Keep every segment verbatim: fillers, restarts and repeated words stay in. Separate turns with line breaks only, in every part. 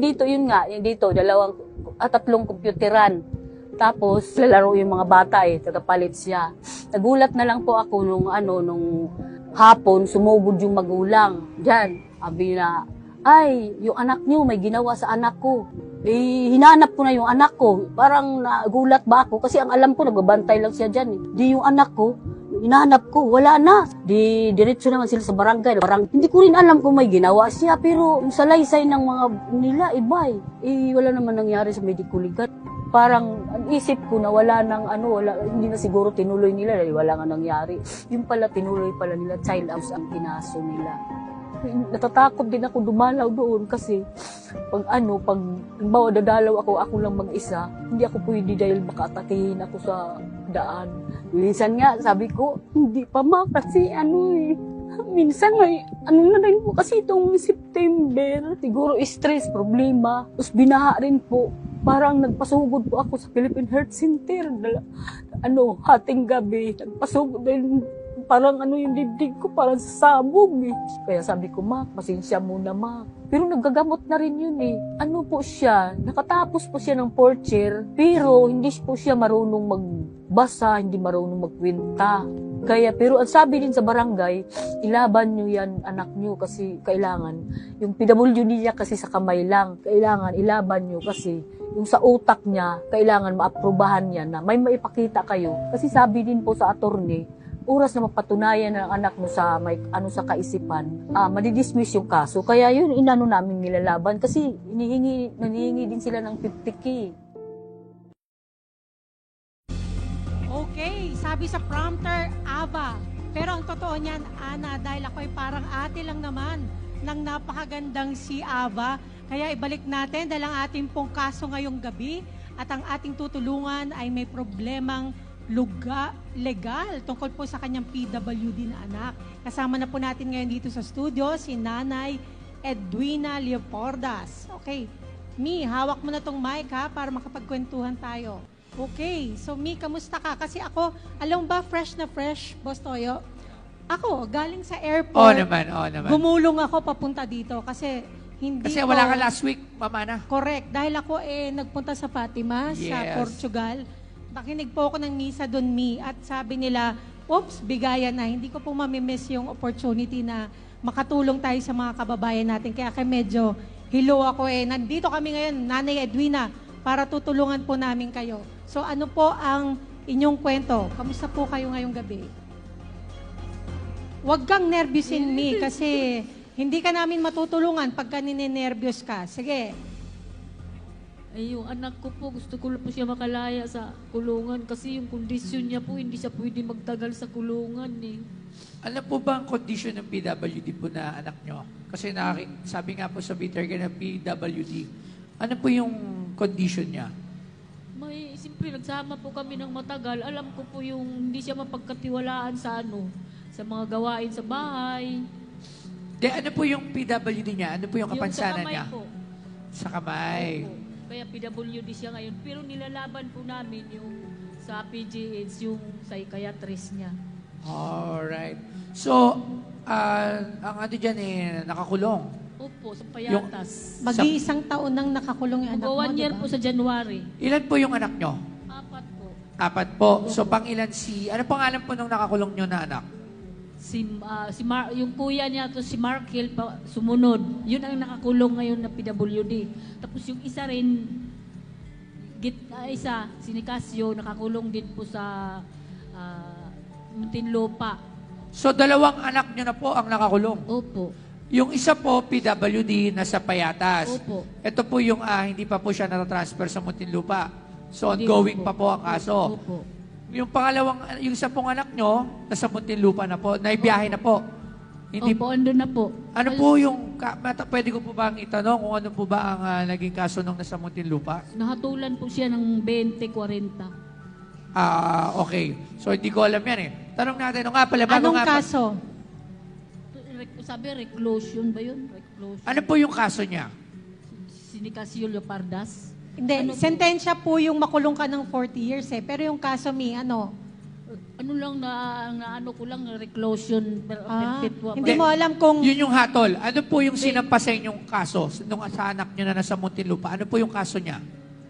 dito, yun nga, yung dito, dalawang, at tatlong computeran. Tapos, lalaro yung mga bata eh, tagapalit siya. Nagulat na lang po ako nung ano, nung hapon, sumugod yung magulang. Diyan, sabi na, ay, yung anak niyo may ginawa sa anak ko. Eh, hinanap ko na yung anak ko. Parang nagulat ba ako? Kasi ang alam ko, nagbabantay lang siya dyan eh. Di yung anak ko, hinahanap ko, wala na. Di, diretso naman sila sa barangay. Parang, hindi ko rin alam kung may ginawa siya, pero yung salaysay ng mga nila, iba eh. Eh, wala naman nangyari sa medical legal. Parang, ang isip ko na wala nang ano, wala, hindi na siguro tinuloy nila dahil wala nga nangyari. Yung pala, tinuloy pala nila, child abuse ang kinaso nila. Natatakot din ako dumalaw doon kasi pag ano, pag bawa dadalaw ako, ako lang mag-isa, hindi ako pwede dahil baka atakihin ako sa daan. Minsan nga, sabi ko, hindi pa ma, kasi ano eh, minsan ay, ano na rin po kasi itong September, siguro stress, problema, tapos binaha rin po. Parang nagpasugod po ako sa Philippine Heart Center, dala, ano, hating gabi, nagpasugod din. Parang ano yung dibdig ko, parang sabog eh. Kaya sabi ko, ma, pasensya muna ma. Pero nagagamot na rin yun eh. Ano po siya, nakatapos po siya ng fourth year, pero hindi po siya marunong magbasa, hindi marunong magkwenta. Kaya, pero ang sabi din sa barangay, ilaban nyo yan, anak nyo, kasi kailangan, yung P W D niya kasi sa kamay lang, kailangan ilaban nyo kasi yung sa utak niya, kailangan maaprubahan niya na may maipakita kayo. Kasi sabi din po sa attorney, oras na mapatunayan ng anak mo sa may ano sa kaisipan, ah, madidismiss yung kaso. Kaya yun, inano namin nilalaban kasi hinihingi, nanihingi din sila ng fifty K.
Okay, sabi sa prompter, Ava. Pero ang totoo niyan, Ana, dahil ako'y parang ate lang naman ng napakagandang si Ava. Kaya ibalik natin dahil ang ating pong kaso ngayong gabi at ang ating tutulungan ay may problemang luga, legal tungkol po sa kanyang P W D na anak. Kasama na po natin ngayon dito sa studio si Nanay Edwina Leopordas. Okay, Mi, hawak mo na tong mic ha para makapagkwentuhan tayo. Okay, so Mi, kamusta ka? Kasi ako, alam ba, fresh na fresh, Boss Toyo? Ako, galing sa airport.
Oo naman, oo naman.
Gumulong ako papunta dito kasi hindi
Kasi
ko,
wala ka last week, Mama na.
correct, dahil ako eh nagpunta sa Fatima, sa
Yes.
Portugal. Nakinig po ako ng misa doon, Mi, at sabi nila, oops, bigayan na. Hindi ko po mamimiss yung opportunity na makatulong tayo sa mga kababayan natin. Kaya kaya medyo hilo ako eh. Nandito kami ngayon, Nanay Edwina, para tutulungan po namin kayo. So ano po ang inyong kwento? Kamusta po kayo ngayong gabi? Huwag kang nervyusin, Mi, kasi hindi ka namin matutulungan pagka ninenervyos ka. Sige.
Ay, yung anak ko po, gusto ko po siya makalaya sa kulungan kasi yung kondisyon niya po, hindi siya pwede magtagal sa kulungan eh.
Ano po ba ang condition ng P W D po na anak nyo? Kasi nakaki- sabi nga po sa Peter ka na P W D. Ano po yung condition niya?
May, siyempre, nagsama po kami ng matagal. Alam ko po yung hindi siya mapagkatiwalaan sa ano, sa mga gawain sa bahay.
De, ano po yung P W D niya? Ano po yung
Yung sa
kapansanan
kamay
niya?
po.
Sa kamay.
Opo. Kaya P W D siya ngayon. Pero nilalaban po namin yung sa P G H, yung psychiatrist niya.
Alright. So, uh, ang ano dyan eh, nakakulong.
Opo, sa Payatas.
Mag-iisang taon nang nakakulong yung anak
Mag
mo,
one year
diba?
po sa January.
Ilan po yung anak nyo?
Apat po.
Apat po. So, pang ilan si... Ano pangalan po nung nakakulong nyo na anak?
Si, ah, si Mar- yung kuya niya to si Mark Hill pa, sumunod. Yun ang nakakulong ngayon na P W D. Tapos yung isa rin, git, ah, isa, si Nicasio, nakakulong din po sa uh, Muntinlupa.
So, dalawang anak nyo na po ang nakakulong.
Opo.
Yung isa po, P W D, nasa Payatas.
Opo.
Ito po yung ah, hindi pa po siya natatransfer sa Muntinlupa. So,
Hindi
ongoing
po.
pa po ang kaso.
Opo.
Yung pangalawang, yung isa pong anak nyo, nasa Muntinlupa na po, naibiyahe na po. Hindi
Opo, andun na po.
Ano po yung, ka, mata, pwede ko po ba ang itanong kung ano po ba ang ah, naging kaso nung nasa Muntinlupa?
Nahatulan po siya ng twenty, forty.
Ah, okay. So, hindi ko alam yan eh. Tanong natin, ano nga pala, bago
Anong
nga pa-
kaso?
Rec- Sabi, reclusion ba yun? Reclusion.
ano po yung kaso niya?
Si Nicasio Leopardas.
Hindi,
Ano po?
sentensya po yung makulong ka ng forty years eh. Pero yung kaso, Mi, ano?
Ano lang na, na ano ko lang, reclusion per,
Ah,
perpetua.
hindi mo alam kung
Yun yung hatol. Ano po yung sinampa sa inyong kaso nung sa anak nyo na nasa Muntinlupa? Ano po yung kaso niya?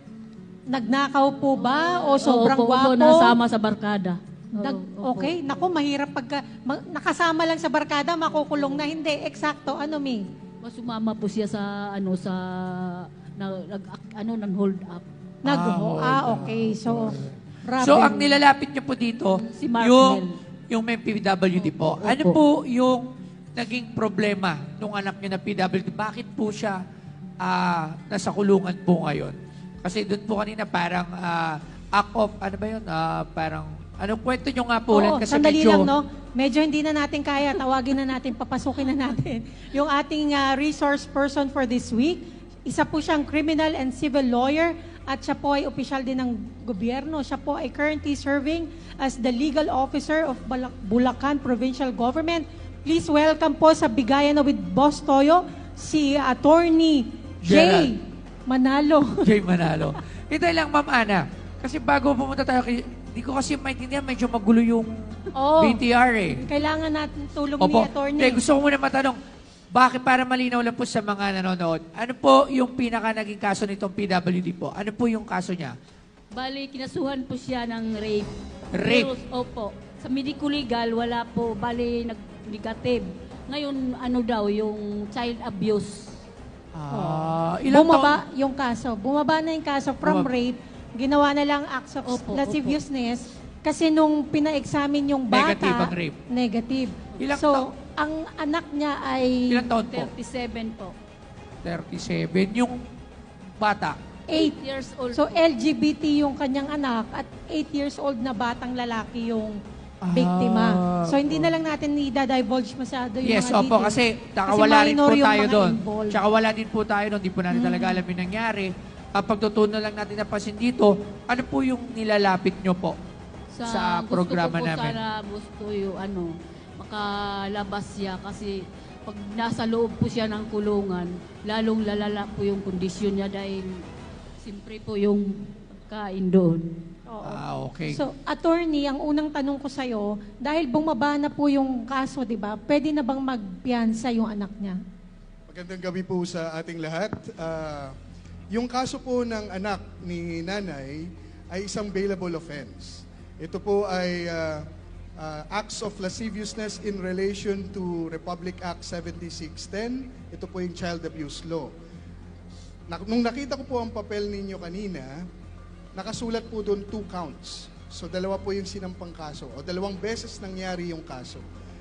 nagnakaw po ba o sobrang
Opo,
gwapo?
opo, nasama sa barkada.
Nag,
Oo, opo.
okay, naku, mahirap pagka ma- nakasama lang sa barkada, makukulong na. Hindi, eksakto, ano mi?
Mas sumama po siya sa ano sa na, nag ano nang hold up.
Nag,
Ah,
ah, okay. So, grabe.
So, ang nilalapit nyo po dito,
Si Mark
yung,
Mel.
yung may P W D po.
Opo.
Ano po yung naging problema nung anak nyo na P W D? Bakit po siya ah, nasa kulungan po ngayon? Kasi doon po kanina parang ah, act of, ano ba yun? Ah, parang, anong kwento nyo nga po?
Oo,
Ulan? Kasi
sandali
medyo,
lang, no? Medyo hindi na natin kaya. Tawagin na natin, papasukin na natin. Yung ating ah, resource person for this week, isa po siyang criminal and civil lawyer at siya po ay opisyal din ng gobyerno. Siya po ay currently serving as the legal officer of Bala- Bulacan Provincial Government. Please welcome po sa Bigayan with Boss Toyo, si Attorney Jay
Gerald.
Manalo.
Jay Manalo. Hintay lang, Ma'am Ana. Kasi bago pumunta tayo, kay- di ko kasi maintindihan, medyo magulo yung
Oo.
B T R eh.
Kailangan natin tulong
Opo.
ni Attorney.
Eh, gusto ko muna matanong, bakit para malinaw lang po sa mga nanonood, ano po yung pinaka naging kaso nitong P W D po? Ano po yung kaso niya?
Bali kinasuhan po siya ng rape.
Rape?
Pero, opo. Sa medico legal wala po bali nag-negative. Ngayon ano daw yung child abuse.
Ah, ilang
Bumaba
taon?
yung kaso. Bumaba na yung kaso from
Bumaba.
rape. Ginawa na lang acts of
Opo,
lasciviousness. Kasi nung pina-examine yung bata,
Negative ang rape.
negative.
Ilang
so,
taon?
ang anak niya ay
Ilang taon po?
thirty-seven po.
thirty-seven. Yung bata.
eight.
years old.
So,
po.
L G B T yung kanyang anak at eight years old na batang lalaki yung biktima.
Ah,
So, hindi na lang natin i-divulge masyado yung
Yes,
mga
opo,
details.
kasi nakawala rin
minor
po
yung
tayo
mga
doon.
involved. Mm.
Tsaka wala din po tayo doon. Di po natin talaga alam yung nangyari. Ang pagtutunan lang natin napansin dito, ano po yung nilalapit nyo po sa,
gusto
programa
ko po
namin?
sana gusto yung ano, makalabas siya kasi pag nasa loob po siya ng kulungan, lalong lalala po yung kondisyon niya dahil siyempre po yung kain doon.
Oo.
Ah, okay.
So, attorney, ang unang tanong ko sa'yo, dahil bumaba na po yung kaso, di ba, pwede na bang magpiyansa yung anak niya?
Magandang gabi po sa ating lahat. Ah, yung kaso po ng anak ni nanay ay isang bailable offense. Ito po ay ah, ah, acts of lasciviousness in relation to Republic Act seventy-six ten. Ito po yung child abuse law. Na- nung nakita ko po ang papel ninyo kanina, nakasulat po doon two counts. So dalawa po yung sinampang kaso o dalawang beses nangyari yung kaso.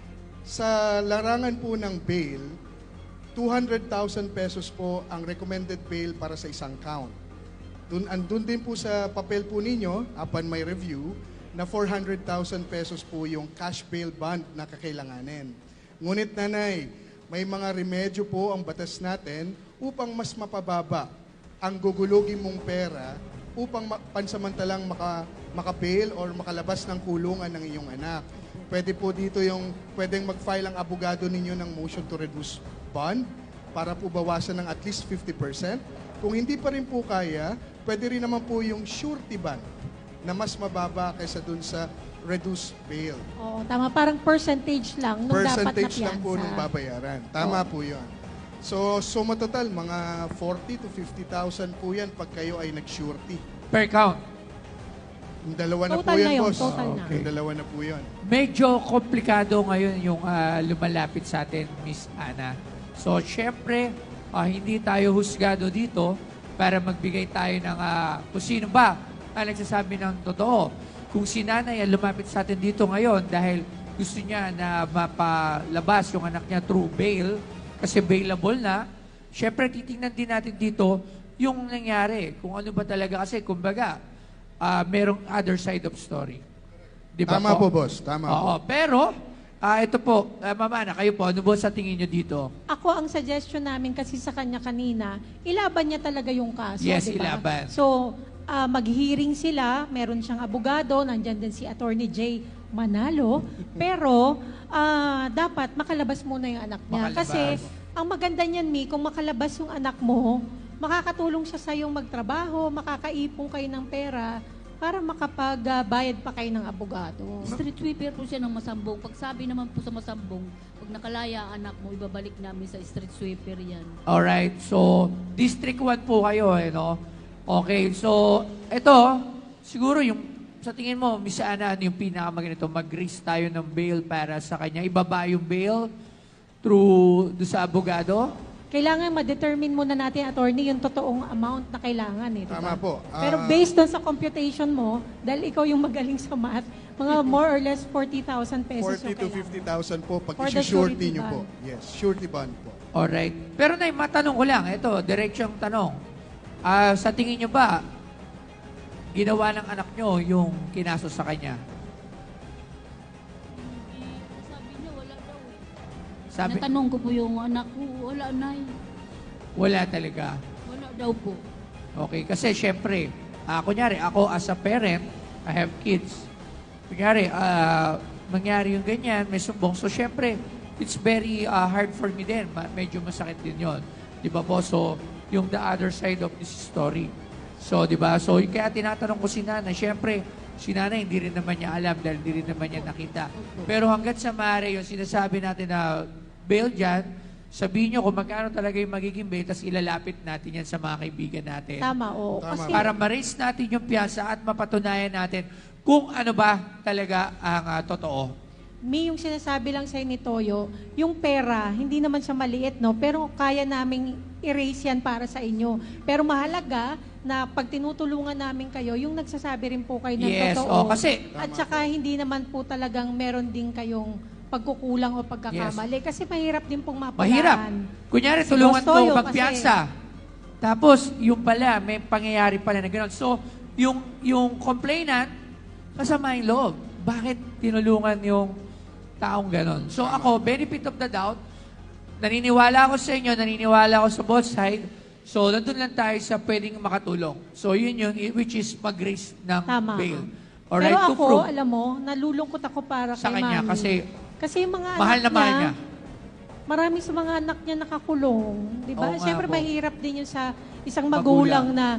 Sa larangan po ng bail, two hundred thousand pesos po ang recommended bail para sa isang count. Dun, andun din po sa papel po ninyo, upon my review, na four hundred thousand pesos po yung cash bail bond na kakailanganin. Ngunit nanay, may mga remedyo po ang batas natin upang mas mapababa ang gugulugin mong pera upang ma- pansamantalang maka, maka-bail or makalabas ng kulungan ng iyong anak. Pwede po dito yung, pwedeng mag-file ang abogado ninyo ng motion to reduce bond para po bawasan ng at least fifty percent. Kung hindi pa rin po kaya, pwede rin naman po yung surety bond na mas mababa kaysa dun sa reduced bail.
Oo, tama. Parang percentage lang nung dapat na
Percentage lang po
piyansa.
nung babayaran. Tama po yun. So, suma total, mga forty to fifty thousand po yan pag kayo ay nag-surety.
Per count.
Yung dalawa na
Total
po yan,
na yun,
boss.
total na.
Yung dalawa na po yan.
Medyo komplikado ngayon yung ah, lumalapit sa atin, Miss Ana. So, syempre, ah, hindi tayo husgado dito para magbigay tayo ng ah, kung sino ba ang nagsasabi ng totoo. Kung si nanay ang lumapit sa atin dito ngayon dahil gusto niya na mapalabas yung anak niya through bail, kasi bailable na, syempre titingnan din natin dito yung nangyari. Kung ano ba talaga, kasi kumbaga, ah, merong other side of story. Di ba
Tama po, boss. Tama po.
Oo, pero, ah, ito po, uh, Mama Ana, kayo po, ano po sa tingin nyo dito?
Ako, ang suggestion namin kasi sa kanya kanina, ilaban niya talaga yung kaso,
Yes,
di ba?
ilaban.
So, ah, mag-hearing sila, meron siyang abogado, nandyan din si Attorney Jay Manalo, pero ah, dapat makalabas muna yung anak niya.
Makalabas.
Kasi, ang maganda niyan, Mi, kung makalabas yung anak mo, makakatulong siya sa yung magtrabaho, makakaipon kayo ng pera para makapagbayad pa kayo ng abogado.
Street sweeper po siya ng Masambong. Pag sabi naman po sa Masambong, pag nakalaya anak mo, ibabalik namin sa street sweeper yan.
Alright, so District one po kayo, eh, no? Okay, so ito, siguro yung, sa tingin mo, Miss Ana, ano yung pinakamaganito? Mag-raise tayo ng bail para sa kanya. Ibaba yung bail through do sa abogado?
Kailangan ma-determine muna natin, attorney, yung totoong amount na kailangan. Eh, diba?
Tama po.
Pero
Ah,
based doon sa computation mo, dahil ikaw yung magaling sa math, mga more or less forty thousand pesos
forty
yung
to
kailangan.
fifty thousand po pag
For the
isi-surety
surety
nyo po.
bond.
Yes, surety bond po.
Alright. Pero Nay, matanong ko lang, ito, diretsong tanong. Ah, sa tingin nyo ba, ginawa ng anak nyo yung kinaso sa kanya?
Sabi niya, wala daw eh.
Sabi,
Natanong ko po yung anak ko, wala na eh.
wala talaga.
Wala daw po.
Okay, kasi syempre, ah, kunyari, ako as a parent, I have kids. Kunyari, ah, mangyari yung ganyan, may sumbong. So syempre, it's very ah, hard for me din. Ma- medyo masakit din yon. Di ba po? So, yung the other side of this story. So, di ba? So, kaya tinatanong ko si Nana, syempre, si Nana hindi rin naman niya alam dahil hindi rin naman niya nakita. Pero hanggat sa maaari, yung sinasabi natin na bail dyan, sabihin nyo kung magkano talaga yung magiging bail, tapos ilalapit natin yan sa mga kaibigan natin.
Tama, oo.
Tama.
Kasi
Para ma-raise natin yung piyansa at mapatunayan natin kung ano ba talaga ang ah, totoo.
Mi, yung sinasabi lang sa'yo ni Toyo, yung pera, hindi naman siya maliit, no? Pero kaya naming erase yan para sa inyo. Pero mahalaga na pag tinutulungan namin kayo, yung nagsasabi rin po kayo ng
Yes,
totoo.
oh, kasi
At saka hindi naman po talagang meron din kayong pagkukulang o pagkakamali. Kasi mahirap din pong mapulaan.
mahirap. Kunyari,
Si
tulungan
Boss Toyo
ko magpiyansa. Tapos, yung pala, may pangyayari pala na gano'n. So, yung, yung complainant, kasama yung loob. Bakit tinulungan yung taong gano'n? So, ako, benefit of the doubt, naniniwala ako sa inyo, naniniwala ako sa both side. So, nandun lang tayo sa pwedeng makatulong. So, yun yun, i- which is mag-raise ng
Tama.
bail. Alright,
Pero
to
ako,
prove
alam mo, nalulungkot ako para
sa
kay
kanya
Mami.
kasi
Kasi yung mga
mahal
anak
na mahal niya.
marami sa mga anak niya nakakulong. Di ba?
Oo nga
Siyempre,
po.
mahirap din yun sa isang
Magulang.
magulang, na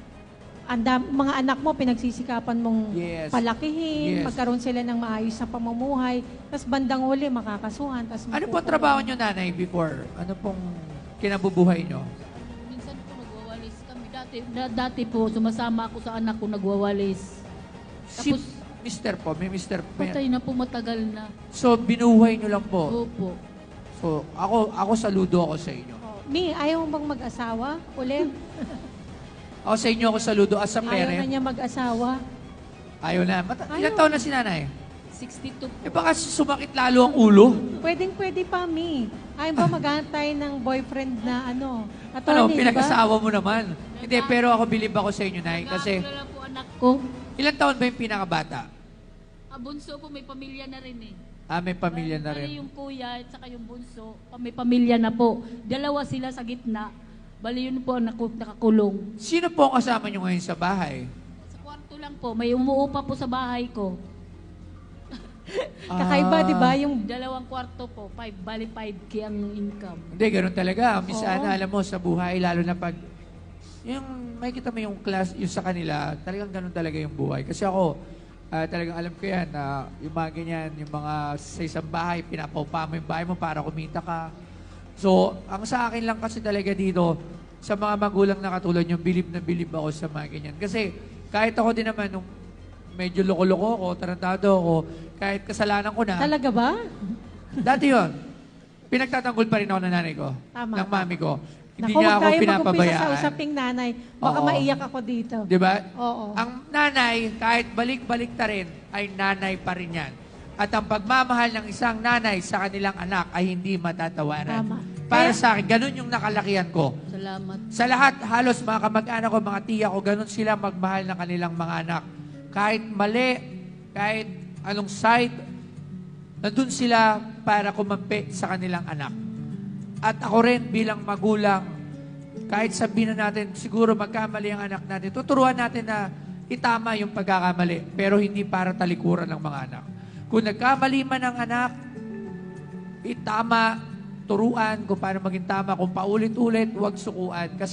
anda, mga anak mo, pinagsisikapan mong
Yes.
palakihin,
Yes.
magkaroon sila ng maayos na pamumuhay, tapos bandang uli, makakasuhan, tapos
Ano po
makukulong.
trabaho nyo, nanay, before? Ano pong kinabubuhay nyo?
Minsan po nagwawalis kami. Dati, da, dati po, sumasama ako sa anak ko nagwawalis.
Si
Tapos-
Mister po, may Mister may-
Patay na po, matagal na.
So, binuhay nyo lang po.
Opo.
So, ako, ako saludo ako sa inyo.
Oh, Mi, ayaw mo bang mag-asawa? Ulit?
Ako sa inyo ako saludo as a
Ayaw na
parent.
niya mag-asawa?
Ayaw na. Mata-
Ayaw.
Ilang taon na si nanay?
sixty-two po.
Eh baka sumakit lalo ang ulo.
Pwedeng pwede pa, Mi. Ayaw ba maghanap tayo ng boyfriend na ano?
Ano,
Attorney, di ba?
pinag-asawa mo naman. Hindi, pero ako bilib ako sa inyo, nay. Kasi,
Nag-aaral po anak ko.
ilang taon ba yung pinakabata?
Ah, bunso po, may pamilya na rin eh.
Ah, may pamilya na
Bali
rin.
yung kuya at saka yung bunso, pa- may pamilya na po. Dalawa sila sa gitna. Bali yun po ang naku- nakakulong.
Sino po ang kasama nyo ngayon sa bahay?
Sa kwarto lang po, may umuupa po sa bahay ko.
Kakaiba,
Ah.
di ba? Yung
Dalawang kwarto po, five, bali five K ang income.
Hindi, ganun talaga. Miss
Oo.
Ana, alam mo, sa buhay, lalo na pag, yung, may kita mo yung class, yung sa kanila, talagang ganun talaga yung buhay. Kasi ako, ah, talagang alam ko yan, na yung mga ganyan, yung mga sa isang bahay, pinapaupa mo yung bahay mo para kumita ka. So, ang sa akin lang kasi talaga dito, sa mga magulang na katulad yung bilib na bilib ako sa mga ganyan. Kasi, kahit ako din naman, nung medyo loko-loko ako, tarantado ako, kahit kasalanan ko na,
talaga ba?
dati yon pinagtatanggol pa rin ako ng nanay ko,
Tama.
ng mami ko. Hindi
Naku,
niya
huwag
ako
tayo mag-umpisa sa
pinapabayaan.
usaping nanay. Baka
Oo.
maiyak ako dito.
Di ba?
Oo.
Ang nanay, kahit balik-balik ta rin, ay nanay pa rin yan. At ang pagmamahal ng isang nanay sa kanilang anak ay hindi matatawaran.
Tama.
Para
Kaya-
sa akin, ganun yung nakalakihan ko.
Salamat.
Sa lahat, halos mga kamag-anak ko, mga tiya ko, ganun sila magmahal ng kanilang mga anak. Kahit mali, kahit anong side, nandun sila para kumampi sa kanilang anak. At ako rin bilang magulang, kahit sabihin na natin, siguro magkamali ang anak natin, tuturuan natin na itama yung pagkakamali, pero hindi para talikuran ng mga anak. Kung nagkamali man ang anak, itama, turuan kung paano maging tama. Kung paulit-ulit, huwag sukuan. Kasi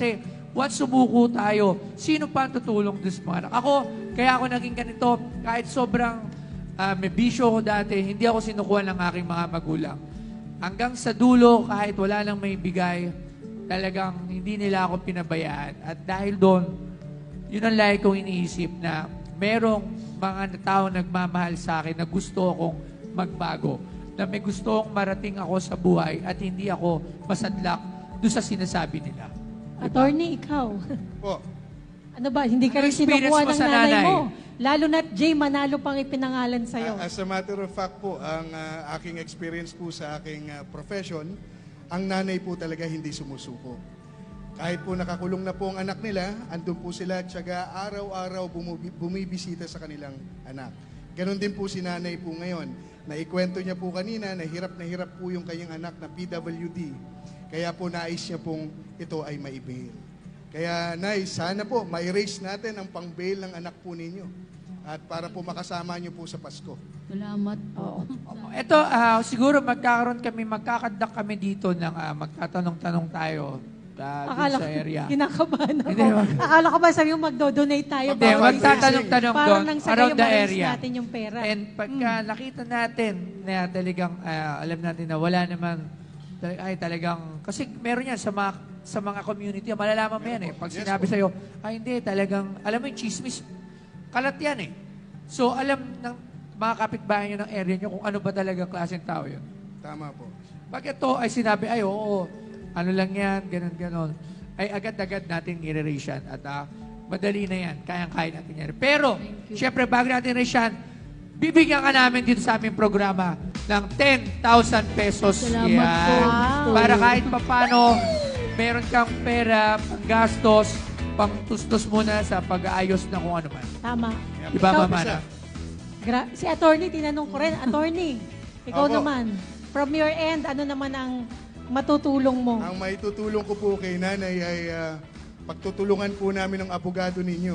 Once sumuko tayo, sino pa ang tutulong doon sa mga anak? Ako, kaya ako naging ganito, kahit sobrang ah, may bisyo ko dati, hindi ako sinukuha ng aking mga magulang. Hanggang sa dulo, kahit wala nang may bigay, talagang hindi nila ako pinabayaan. At dahil doon, yun ang lagi kong iniisip na merong mga tao nagmamahal sa akin na gusto akong magbago. Na may gusto akong marating ako sa buhay at hindi ako masadlak doon sa sinasabi nila.
Attorney, ikaw.
Po.
Ano ba, hindi ka
Ano
rin
experience
sinukuha
mo
ng
sa
nanay
nanay?
mo. Lalo na't Jay Manalo pang ipinangalan sa'yo.
A- As a matter of fact po, ang ah, aking experience po sa aking ah, profession, ang nanay po talaga hindi sumusuko. Kahit po nakakulong na po ang anak nila, andun po sila, tsaga araw-araw bumubi- bumibisita sa kanilang anak. Ganon din po si nanay po ngayon. Naikwento niya po kanina na hirap na hirap po yung kanyang anak na P W D. Kaya po nais niya pong ito ay maibail. Kaya Nay, sana po ma-erase natin ang pang-bail ng anak po ninyo. At para po makasama niyo po sa Pasko.
Salamat.
Oo.
Ito, ah, siguro magkakaroon kami, magkakadak kami dito ng ah, magtatanong-tanong tayo ah, dun
Akala
sa
ko,
area.
kinakabahan ako.
Hindi, wag-
Akala ko ba sabi mo magdo-donate tayo?
Hindi,
Hindi,
bawat
wag
isa?
magtatanong-tanong
Parang
doon
nang sa
around
kayo
the
ma-raise
area.
natin yung pera.
And pagka nakita natin na talagang, ah, alam natin na wala naman, tal- ay talagang, kasi meron yan sa mga, sa mga community, malalaman mo yan eh. Pag
Yes
sinabi
po.
sa'yo, ay hindi, talagang, alam mo yung chismis, kalat yan eh. So alam ng mga kapitbahay nyo ng area nyo kung ano ba talaga klaseng tao yun.
Tama po.
Pag ito ay sinabi, ay oo, ano lang yan, ganun, ganun, ay agad-agad natin i-erase yan. At ah, madali na yan, kayang-kaya natin yan. Pero, syempre, bago natin i-erase yan, bibigyan ka namin dito sa aming programa ng ten thousand pesos.
Salamat
Yan.
po.
Para kahit papano, meron kang pera, pang gastos, pang tustos muna sa pag-aayos na kung ano man.
Tama.
Diba,
Ikaw,
Mama
isa.
Ana?
Gra- si attorney, tinanong ko rin. Attorney, ikaw
Opo.
naman. From your end, ano naman ang matutulong mo?
Ang maitutulong ko po kay nanay ay ah, pagtutulungan po namin ng abogado ninyo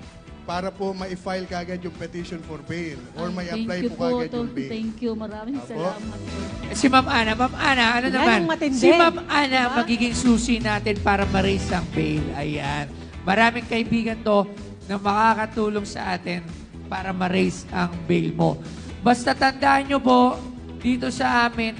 para po ma-file kagad yung petition for bail or may
Thank
apply
you
po kagad
Tol.
yung bail.
Thank you. Maraming
Apo.
salamat po.
Eh, Si Ma'am Ana, Ma'am Ana, ano
Yan
naman?
ang matindi.
Si Ma'am Ana,
Diba?
magiging susi natin para ma-raise ang bail. Ayan. Maraming kaibigan to na makakatulong sa atin para ma-raise ang bail mo. Basta tandaan nyo po, dito sa amin,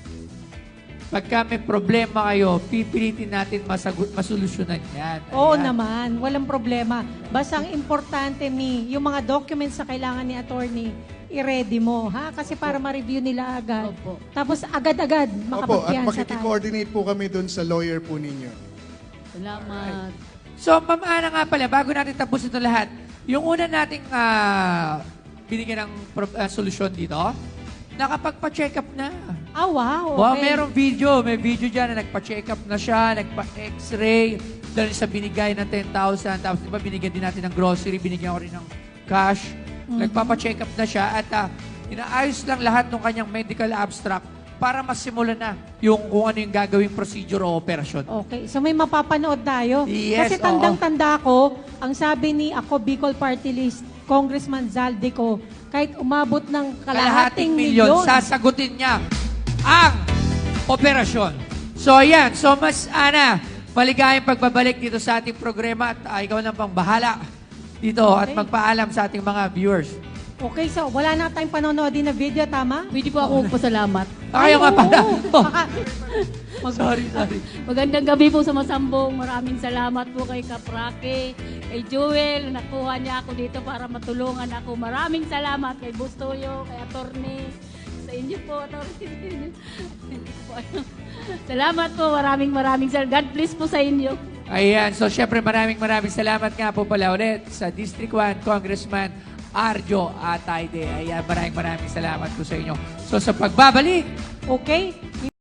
pagka may problema kayo, pipilitin natin masagot, masolusyonan yan.
Oo
Ayan.
naman, walang problema. Basta ang importante, Mi, yung mga documents na kailangan ni attorney, i-ready mo, ha? Kasi para ma-review nila agad.
Opo.
Tapos agad-agad
Opo, at
makapagpiyansa tayo.
makikikoordinate po kami doon sa lawyer po ninyo.
Salamat.
So, Ma'am Ana nga pala, bago natin tapos ito lahat, yung una nating ah, binigyan ng pro- ah, solusyon dito, nakapagpa-check up na.
Ah, wow,
Wow,
okay.
merong video. May video dyan na nagpa-check up na siya, nagpa-x-ray, dahil sa binigay ng ten thousand. Tapos, di ba, binigyan din natin ng grocery, binigyan ko rin ng cash. Nagpapa-check up na siya at ah, inaayos lang lahat ng kanyang medical abstract para masimula na yung kung ano yung gagawing procedure o operasyon.
Okay, so may mapapanood tayo.
Yes,
Kasi tandang-tanda ko, ang sabi ni ako Bicol Party List, Congressman Zaldico, kahit umabot ng kalahating milyon,
sasagutin niya ang operasyon. So, ayan. So, Mas Ana, maligayang pagbabalik dito sa ating programa at ah, ikaw na pang bahala dito at
Okay.
magpaalam sa ating mga viewers.
Okay, so wala na tayong panonoodin na video, tama?
Pwede po ako magpasalamat.
Ayaw nga
oo.
pala. Oh,
Baka-
sorry, sorry.
Magandang gabi po sa Masambong. Maraming salamat po kay Kaprake, kay Joel. Nakuha niya ako dito para matulungan ako. Maraming salamat kay Bustoyo, kay Attorney. Sa inyo po, Attorney. Hindi ko po alam. Salamat po. Maraming maraming salamat. God bless po sa inyo.
Ayan. So, syempre, maraming maraming salamat nga po pala ulit sa District one Congressman Arjo Atayde. Ayan, maraming maraming salamat po sa inyo. So, sa pagbabalik,
Okay?